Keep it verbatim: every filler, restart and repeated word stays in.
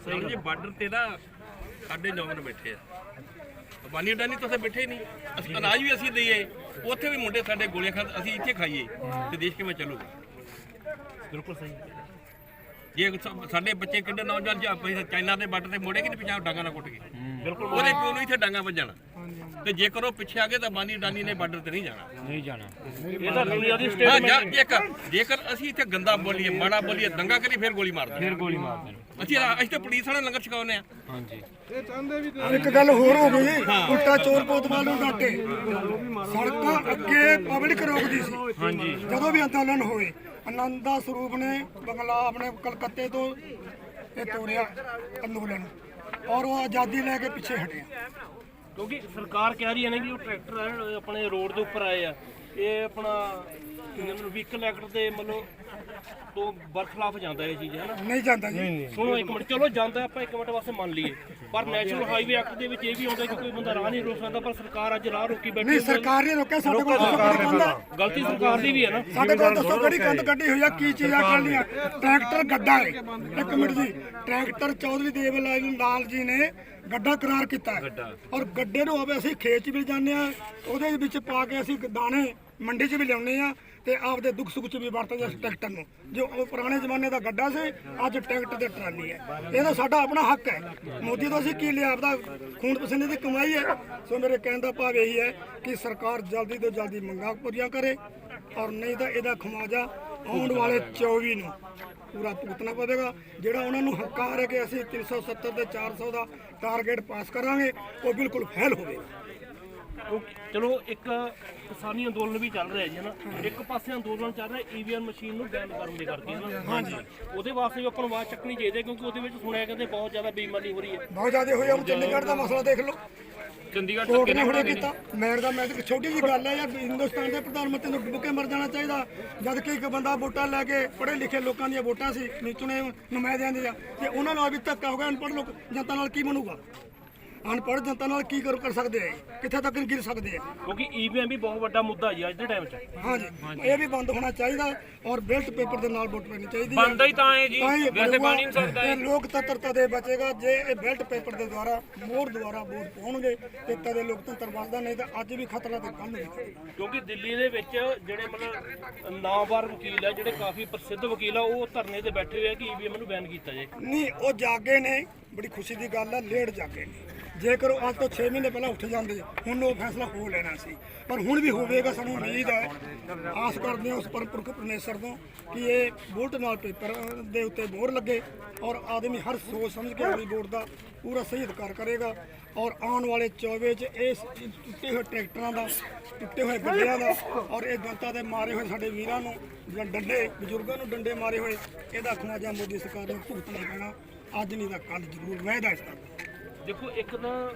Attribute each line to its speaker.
Speaker 1: ਸਹੀ ਜੀ ਬਾਰਡਰ ਤੇ ਨਾ ਸਾਡੇ ਨੌਜਵਾਨ ਬੈਠੇ ਆ ਬਾਨੀ ਡਾਨੀ ਤਾਂ ਉੱਥੇ ਬੈਠੇ ਨਹੀਂ ਅਸੀਂ ਅਨਾਜ ਵੀ ਅਸੀਂ ਦਈਏ ਉੱਥੇ ਵੀ ਮੁੰਡੇ ਸਾਡੇ ਗੋਲੀਆਂ ਖਾਂ ਅਸੀਂ ਇੱਥੇ ਖਾਈਏ ਤੇ ਦੇਸ਼ ਕਿਵੇਂ ਚੱਲੂਗਾ।
Speaker 2: ਬਿਲਕੁਲ ਸਹੀ।
Speaker 1: ਜੇ ਸਾਡੇ ਬੱਚੇ ਕਿੰਨੇ ਨੌਜਵਾਨ ਜੇ ਚਾਈਨਾ ਦੇ ਬਾਰਡਰ ਤੇ ਮੋੜੇ ਕਿ ਨਹੀਂ ਪਿਛਾਂ ਡਾਂਗਾ ਨਾਲ ਕੁੱਟ ਕੇ
Speaker 2: ਬਿਲਕੁਲ
Speaker 1: ਉਹਦੇ ਪਿਓ ਨੂੰ ਇੱਥੇ ਡਾਂਗਾ ਵੱਜਣਾ ਤੇ ਜੇਕਰ ਉਹ ਪਿੱਛੇ ਆ ਗਏ ਤਾਂ ਬਾਨੀ ਡਾਨੀ ਨੇ ਬਾਰਡਰ ਤੇ ਨਹੀਂ ਜਾਣਾ
Speaker 2: ਨਹੀਂ ਜਾਣਾ। ਇਹ ਤਾਂ ਦੁਨੀਆ ਦੀ
Speaker 1: ਹਾਂ
Speaker 2: ਸਟੇਟਮੈਂਟ।
Speaker 1: ਜੇਕਰ ਜੇਕਰ ਅਸੀਂ ਇੱਥੇ ਗੰਦਾ ਬੋਲੀਏ ਮਾੜਾ ਬੋਲੀਏ ਦੰਗਾ ਕਰੀ ਫਿਰ ਗੋਲੀ ਮਾਰ
Speaker 2: ਫਿਰ ਗੋਲੀ ਮਾਰ ਦੇਣ।
Speaker 1: ਅਸੀਂ ਅਸੀਂ ਤਾਂ ਪੁਲਿਸ ਵਾਲੇ ਲੰਗਰ ਛਕਾਉਂਦੇ ਆ।
Speaker 2: ਹਾਂਜੀ
Speaker 3: ਇੱਕ ਗੱਲ ਹੋਰ ਹੋ ਗਈ ਉਲਟਾ ਚੋਰ ਕੋਤਵਾਲ ਨੂੰ ਡਾਟੇ ਸੜਕਾਂ ਅੱਗੇ ਪਬਲਿਕ ਰੋਕਦੀ ਸੀ।
Speaker 2: ਹਾਂਜੀ
Speaker 3: ਜਦੋਂ ਵੀ ਅੰਦੋਲਨ ਹੋਏ ਆਨੰਦਾ ਸਰੂਪ ਨੇ ਬੰਗਲਾ ਆਪਣੇ ਕਲਕੱਤੇ ਤੋਂ ਇਹ ਤੋੜਿਆ ਅੰਦੋਲਨ ਔਰ ਉਹ ਆਜ਼ਾਦੀ ਲੈ ਕੇ ਪਿੱਛੇ ਹਟਿਆ
Speaker 2: ਕਿਉਂਕਿ ਸਰਕਾਰ ਕਹਿ ਰਹੀ ਹੈ ਨਾ ਕਿ ਉਹ ਟਰੈਕਟਰ ਆਪਣੇ ਰੋਡ ਦੇ ਉੱਪਰ ਆਏ ਆ ਇਹ ਆਪਣਾ ਵਹੀਕਲ ਐਕਟ ਦੇ ਮਤਲਬ ਤੋਂ ਬਰਖਲਾਫ ਜਾਂਦਾ ਇਹ ਚੀਜ਼ ਹੈ ਨਾ।
Speaker 3: ਨਹੀਂ ਜਾਂਦਾ ਜੀ।
Speaker 2: ਸੁਣੋ ਇੱਕ ਮਿੰਟ ਚਲੋ ਜਾਂਦਾ ਆਪਾਂ ਇੱਕ ਮਿੰਟ ਵਾਸਤੇ ਮੰਨ ਲਈਏ ਪਰ ਨੈਸ਼ਨਲ ਹਾਈਵੇ ਐਕਟ ਦੇ ਵਿੱਚ ਇਹ ਵੀ ਆਉਂਦਾ ਕਿ ਕੋਈ ਬੰਦਾ ਰਾਹ ਨਹੀਂ ਰੋਕ ਸਕਦਾ ਪਰ ਸਰਕਾਰ ਅੱਜ ਰਾਹ ਰੋਕੀ ਬੈਠੀ
Speaker 3: ਨਹੀਂ ਸਰਕਾਰ ਨੇ ਰੋਕਿਆ ਸਾਡੇ ਕੋਲ ਦੱਸੋ ਕਿਹੜੀ ਕੰਧ ਆ?
Speaker 2: ਗਲਤੀ ਸਰਕਾਰ ਦੀ ਵੀ ਹੈ ਨਾ।
Speaker 3: ਸਾਡੇ ਕੋਲ ਦੱਸੋ ਕਿਹੜੀ ਕੰਧ ਕੱਢੀ ਹੋਈ ਆ ਕੀ ਚੀਜ਼ਾਂ ਕਰਨੀਆਂ ਟਰੈਕਟਰ ਗੱਡਾ ਹੈ ਇੱਕ ਮਿੰਟ ਜੀ ਟਰੈਕਟਰ ਚੌਧਰੀ ਦੇਵ ਲਾਲ ਜੀ ਨੇ ਗੱਡਾ ਕਰਾਰ ਕੀਤਾ ਹੈ ਔਰ ਗੱਡੇ ਨੂੰ ਹੋਵੇ ਅਸੀਂ ਖੇਤ 'ਚ ਵੀ ਜਾਂਦੇ ਆ ਉਹਦੇ ਵਿੱਚ ਪਾ ਕੇ ਅਸੀਂ ਦਾਣੇ ਮੰਡੀ 'ਚ ਵੀ ਲਿਆਉਂਦੇ ਆ ਤੇ ਆਪਦੇ ਦੁੱਖ ਸੁੱਖ 'ਚ ਵੀ ਵਰਤਦੇ ਇਸ ਟਰੈਕਟਰ ਨੂੰ ਜੋ ਉਹ ਪੁਰਾਣੇ ਜ਼ਮਾਨੇ ਦਾ ਗੱਡਾ ਸੀ ਅੱਜ ਟਰੈਕਟਰ ਤੇ ਟਰਾਲੀ ਹੈ ਇਹ ਤਾਂ ਸਾਡਾ ਆਪਣਾ ਹੱਕ ਹੈ। ਮੋਦੀ ਤੋਂ ਅਸੀਂ ਕੀ ਲਿਆ ਆਪਦਾ ਖੂਨ ਪਸੀਨੇ ਦੀ ਕਮਾਈ ਹੈ। ਸੋ ਮੇਰੇ ਕਹਿਣ ਦਾ ਭਾਵ ਇਹੀ ਹੈ ਕਿ ਸਰਕਾਰ ਜਲਦੀ ਤੋਂ ਜਲਦੀ ਮੰਗਾਂ ਪੂਰੀਆਂ ਕਰੇ ਔਰ ਨਹੀਂ ਤਾਂ ਇਹਦਾ ਖਮਾਜਾ ਆਉਣ ਵਾਲੇ ਚੌਵੀ ਨੂੰ ਪੂਰਾ ਭੁਗਤਣਾ ਪਵੇਗਾ। ਜਿਹੜਾ ਉਹਨਾਂ ਨੂੰ ਹੰਕਾਰ ਹੈ ਕਿ ਅਸੀਂ ਤਿੰਨ ਸੌ ਸੱਤਰ ਤੇ ਚਾਰ ਸੌ ਦਾ ਟਾਰਗੇਟ ਪਾਸ ਕਰਾਂਗੇ ਉਹ ਬਿਲਕੁਲ ਫੇਲ ਹੋਵੇਗਾ।
Speaker 2: ਚਲੋ ਇੱਕ ਕਿਸਾਨੀ ਅੰਦੋਲਨ ਵੀ ਚੱਲ ਰਿਹਾ ਜੀ ਹਨਾ ਇੱਕ ਪਾਸੇ ਅੰਦੋਲਨ ਚੱਲ ਰਿਹਾ ਈਵੀਐਮ ਮਸ਼ੀਨ ਨੂੰ ਬੈਨ ਕਰਨ ਦੇ ਕਰਕੇ ਹਨਾ। ਹਾਂਜੀ ਉਹਦੇ ਵਾਸਤੇ ਵੀ ਆਪਾਂ ਨੂੰ ਆਵਾਜ਼ ਚੱਕਣੀ ਚਾਹੀਦੀ ਹੈ ਕਿਉਂਕਿ ਉਹਦੇ ਵਿੱਚ ਸੁਣਿਆ ਕਹਿੰਦੇ ਬਹੁਤ ਜ਼ਿਆਦਾ ਬੇਈਮਾਨੀ ਹੋ ਰਹੀ ਹੈ।
Speaker 3: ਬਹੁਤ ਜ਼ਿਆਦਾ ਹੋਈ ਹੁਣ ਚੰਡੀਗੜ੍ਹ ਦਾ ਮਸਲਾ ਦੇਖ ਲਓ
Speaker 2: ਚੰਡੀਗੜ੍ਹ
Speaker 3: ਕੋਰਟ ਨੇ ਹੁਣੇ ਕੀਤਾ ਮੈਂ ਦਾ ਮੈਂ ਇੱਕ ਛੋਟੀ ਜਿਹੀ ਗੱਲ ਹੈ ਯਾਰ ਹਿੰਦੁਸਤਾਨ ਦੇ ਪ੍ਰਧਾਨ ਮੰਤਰੀ ਨੂੰ ਡੁੱਬ ਕੇ ਮਰ ਜਾਣਾ ਚਾਹੀਦਾ ਜਦ ਕਿ ਇੱਕ ਬੰਦਾ ਵੋਟਾਂ ਲੈ ਕੇ ਪੜ੍ਹੇ ਲਿਖੇ ਲੋਕਾਂ ਦੀਆਂ ਵੋਟਾਂ ਸੀ ਚੁਣੇ ਨੁਮਾਇੰਦਿਆਂ ਦੀਆਂ ਤੇ ਉਹਨਾਂ ਨਾਲ ਵੀ ਧੱਕਾ ਹੋ ਗਿਆ ਅਨਪੜ੍ਹ ਲੋਕ ਜਨਤਾ ਨਾਲ ਕੀ ਬਣੂਗਾ ਅਨਪੜ੍ਹ ਜਨਤਾ ਨਾਲ ਕੀ ਕਰ ਕਰ ਸਕਦੇ ਆ ਕਿੱਥੇ ਤੱਕ ਗਿਰ ਸਕਦੇ ਆ
Speaker 2: ਕਿਉਂਕਿ ਈਵੀਐਮ ਵੀ ਬਹੁਤ ਵੱਡਾ ਮੁੱਦਾ ਜੀ ਅੱਜ ਦੇ ਟਾਈਮ 'ਚ।
Speaker 3: ਹਾਂਜੀ ਇਹ ਵੀ ਬੰਦ ਹੋਣਾ ਚਾਹੀਦਾ ਔਰ ਬੈਲਟ ਪੇਪਰ ਦੇ ਨਾਲ ਵੋਟ ਪੈਣੀ ਚਾਹੀਦੀ ਹੈ।
Speaker 2: ਬੰਦਾ ਹੀ ਤਾਂ ਹੈ ਜੀ ਵੈਸੇ ਬਣ ਨਹੀਂ ਸਕਦਾ
Speaker 3: ਇਹ ਲੋਕਤੰਤਰਤਾ ਦੇ ਬਚੇਗਾ ਜੇ ਇਹ ਬੈਲਟ ਪੇਪਰ ਦੇ ਦੁਆਰਾ ਮੋੜ ਦੁਆਰਾ ਵੋਟ ਪਾਉਣਗੇ ਤੇ ਤਦੇ ਲੋਕਤੰਤਰ ਵੱਧਦਾ ਨਹੀਂ ਤਾਂ ਅੱਜ ਵੀ ਖਤਰਾ ਤੇ ਕੰਮ ਨਹੀਂ।
Speaker 2: ਕਿਉਂਕਿ ਦਿੱਲੀ ਦੇ ਵਿੱਚ ਜਿਹੜੇ ਮਤਲਬ ਨਾਮਵਰ ਵਕੀਲ ਹੈ ਜਿਹੜੇ ਕਾਫੀ ਪ੍ਰਸਿੱਧ ਵਕੀਲ ਆ ਉਹ ਧਰਨੇ ਤੇ ਬੈਠੇ ਹੋਏ ਆ ਕਿ ਈਵੀਐਮ ਨੂੰ ਬੈਨ ਕੀਤਾ ਜਾਏ।
Speaker 3: ਨਹੀਂ ਉਹ ਜਾਗੇ ਨੇ ਬੜੀ ਖੁਸ਼ੀ ਦੀ ਗੱਲ ਹੈ ਲੇਟ ਜਾਗੇ ਨੇ ਜੇਕਰ ਉਹ ਅੱਜ ਤੋਂ ਛੇ ਮਹੀਨੇ ਪਹਿਲਾਂ ਉੱਠ ਜਾਂਦੇ ਹੁਣ ਉਹ ਫੈਸਲਾ ਹੋ ਲੈਣਾ ਸੀ ਪਰ ਹੁਣ ਵੀ ਹੋਵੇਗਾ। ਸਾਨੂੰ ਉਮੀਦ ਹੈ ਆਸ ਕਰਦੇ ਹਾਂ ਉਸ ਪਰਮਪੁਰਖ ਪਰਮੇਸ਼ਰ ਤੋਂ ਕਿ ਇਹ ਵੋਟ ਨਾਲ ਪੇਪਰ ਦੇ ਉੱਤੇ ਮੋਹਰ ਲੱਗੇ ਔਰ ਆਦਮੀ ਹਰ ਸੋਚ ਸਮਝ ਕੇ ਆਪਣੀ ਵੋਟ ਦਾ ਪੂਰਾ ਸਹੀ ਅਧਿਕਾਰ ਕਰੇਗਾ ਔਰ ਆਉਣ ਵਾਲੇ ਚੌਵੇ 'ਚ ਇਸ ਟੁੱਟੇ ਹੋਏ ਟਰੈਕਟਰਾਂ ਦਾ ਟੁੱਟੇ ਹੋਏ ਗੱਡਿਆਂ ਦਾ ਔਰ ਇਹ ਜਨਤਾ ਦੇ ਮਾਰੇ ਹੋਏ ਸਾਡੇ ਵੀਰਾਂ ਨੂੰ ਜਾਂ ਡੰਡੇ ਬਜ਼ੁਰਗਾਂ ਨੂੰ ਡੰਡੇ ਮਾਰੇ ਹੋਏ ਇਹਦਾ ਖਮਾਜਾ ਮੋਦੀ ਸਰਕਾਰ ਨੂੰ ਭੁਗਤਣਾ ਪੈਣਾ ਅੱਜ ਨਹੀਂ ਤਾਂ ਕੱਲ੍ਹ ਜ਼ਰੂਰ ਵਾਅਦਾ ਇਸ ਦਾ।
Speaker 2: ਦੇਖੋ ਇੱਕ ਤਾਂ